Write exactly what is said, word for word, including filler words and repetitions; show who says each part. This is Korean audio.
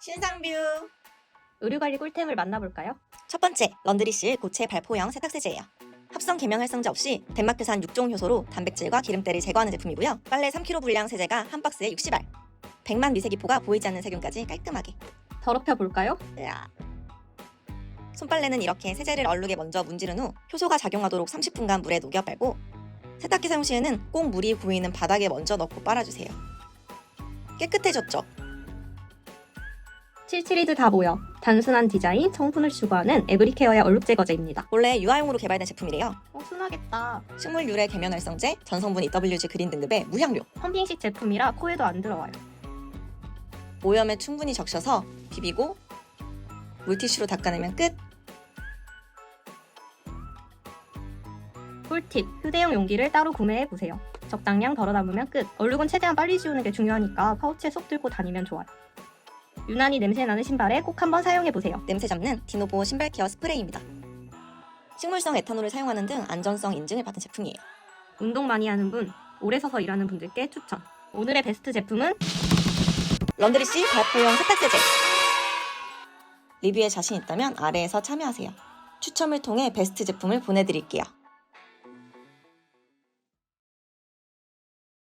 Speaker 1: 신상뷰.
Speaker 2: 의류관리 꿀템을 만나볼까요?
Speaker 1: 첫 번째, 런드리실 고체 발포형 세탁세제예요. 합성 계명 활성제 없이 덴마크산 육 종 효소로 단백질과 기름때를 제거하는 제품이고요. 빨래 삼 킬로그램 분량 세제가 한 박스에 육십 알. 백만 미세기포가 보이지 않는 세균까지 깔끔하게.
Speaker 2: 더럽혀 볼까요?
Speaker 1: 으아. 손빨래는 이렇게 세제를 얼룩에 먼저 문지른 후 효소가 작용하도록 삼십 분간 물에 녹여 빨고, 세탁기 사용 시에는 꼭 물이 고이는 바닥에 먼저 넣고 빨아주세요. 깨끗해졌죠?
Speaker 2: 칠칠이들 다 모여. 단순한 디자인, 성분을 추구하는 에브리케어의 얼룩 제거제입니다.
Speaker 1: 원래 유아용으로 개발된 제품이래요.
Speaker 2: 어, 순하겠다.
Speaker 1: 식물 유래 계면 활성제, 전성분 이더블유지 그린 등급의 무향료.
Speaker 2: 펌핑식 제품이라 코에도 안 들어와요.
Speaker 1: 오염에 충분히 적셔서 비비고 물티슈로 닦아내면 끝!
Speaker 2: 꿀팁, 휴대용 용기를 따로 구매해보세요. 적당량 덜어 담으면 끝. 얼룩은 최대한 빨리 지우는 게 중요하니까 파우치에 쏙 들고 다니면 좋아요. 유난히 냄새나는 신발에 꼭 한번 사용해보세요.
Speaker 1: 냄새 잡는 디노보 신발 케어 스프레이입니다. 식물성 에탄올을 사용하는 등 안전성 인증을 받은 제품이에요.
Speaker 2: 운동 많이 하는 분, 오래 서서 일하는 분들께 추천. 오늘의 베스트 제품은
Speaker 1: 런드리씨 발포용 세탁세제. 리뷰에 자신 있다면 아래에서 참여하세요. 추첨을 통해 베스트 제품을 보내드릴게요.